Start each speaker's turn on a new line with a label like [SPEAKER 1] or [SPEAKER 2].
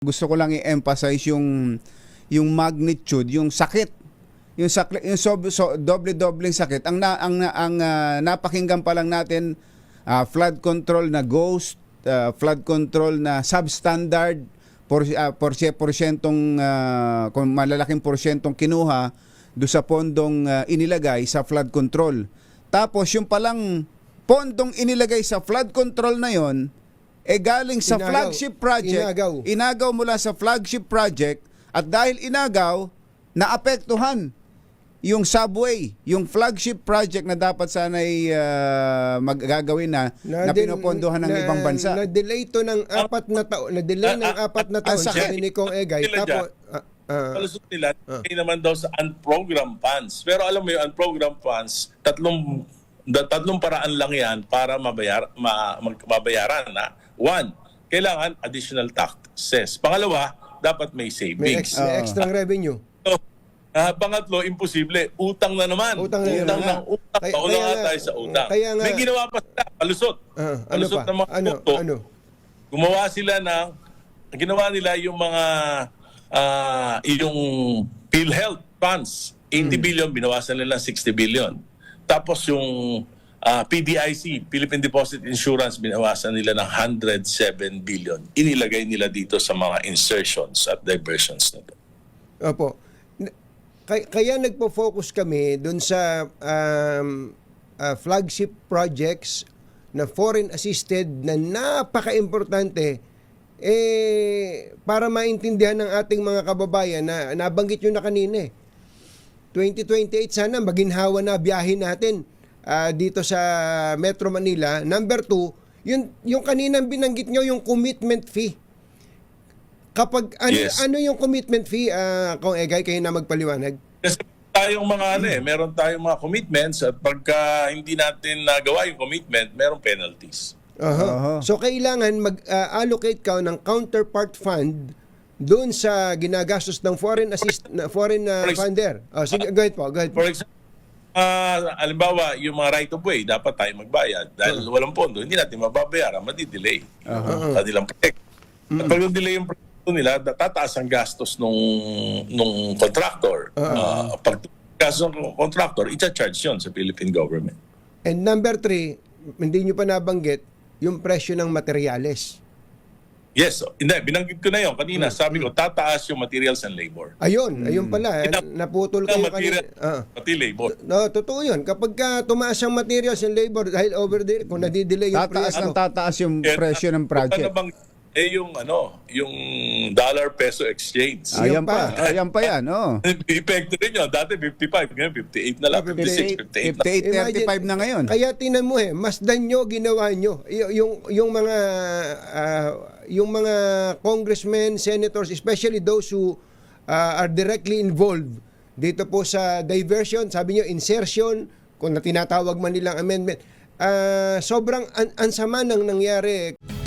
[SPEAKER 1] Gusto ko lang i-emphasize yung magnitude, yung sakit. Yung doble-dobleng sakit. Ang napakinggan pa lang natin, flood control na ghost, flood control na substandard, porsyentong kung malalaking porsyentong kinuha do sa pondong inilagay sa flood control. Tapos yung palang pondong inilagay sa flood control na yon galing sa flagship project, inagaw mula sa flagship project, at dahil inagaw, naapektuhan yung subway, yung flagship project na dapat sana'y magagawin na pinopondohan ng ibang bansa.
[SPEAKER 2] Na-delay to ng 4 na taon. Na-delay ng 4 na taon sa ni Kong Egay. Tapos,
[SPEAKER 3] palusot nila, naman daw sa unprogrammed funds. Pero alam mo yung unprogrammed funds, tatlong paraan lang yan para mabayaran na. One, kailangan additional taxes. Pangalawa, dapat may savings.
[SPEAKER 2] May extra revenue.
[SPEAKER 3] So, pangatlo, imposible. Utang na naman. Utang. Pauna nga tayo sa utang. May ginawa pa sila. Palusot. Palusot ng mga produkto. Ginawa nila yung mga yung PhilHealth funds. 80 billion, binawasan nila 60 billion. Tapos yung PDIC, Philippine Deposit Insurance, binawasan nila ng 107 billion. Inilagay nila dito sa mga insertions at diversions na ito.
[SPEAKER 2] Opo. Kaya nagpo-focus kami dun sa flagship projects na foreign assisted na napaka-importante para maintindihan ng ating mga kababayan na nabanggit nyo na kanina 2028 sana maginhawa na biyahin natin dito sa Metro Manila. Number 2, yung kaninang binanggit nyo, yung commitment fee. Kapag ano yung commitment fee, Kong Egay, kayo na magpaliwanag?
[SPEAKER 3] Kasi tayong meron tayong mga commitments at pagka hindi natin nagawa yung commitment, merong penalties.
[SPEAKER 2] So kailangan mag-allocate ka ng counterpart fund doon sa ginagastos ng foreign funder. Sige, go ahead po. For
[SPEAKER 3] example, halimbawa, yung mga right of way, dapat tayo magbayad. Dahil walang pondo, hindi natin mababayaran, madidelay. Kanilang project. At pag delay yung project nila, tataas ang gastos nung contractor. Pag gastos ng contractor, i-charge yun sa Philippine government.
[SPEAKER 2] And number 3, hindi nyo pa nabanggit, yung presyo ng materyales.
[SPEAKER 3] Yes. Hindi, binanggit ko na yun kanina. Sabi ko, tataas yung materials and labor.
[SPEAKER 2] Ayun pala. Naputol kayo kanina.
[SPEAKER 3] Pati labor.
[SPEAKER 2] No, totoo yun. Kapag tumaas ang materials and labor, dahil over there, kung nadidelay yung
[SPEAKER 1] tataas yung presyo ng project.
[SPEAKER 3] Yung dollar-peso exchange.
[SPEAKER 1] Ayan pa yan.
[SPEAKER 3] Epekto rin yun. Dati 55, ngayon 58 na lang. 56,
[SPEAKER 1] 58, 35 na ngayon.
[SPEAKER 2] Kaya tinan mo masdan nyo, ginawa nyo. Yung mga congressmen, senators, especially those who are directly involved dito po sa diversion, sabi nyo, insertion, kung tinatawag man nilang amendment, sobrang ansama nang nangyari.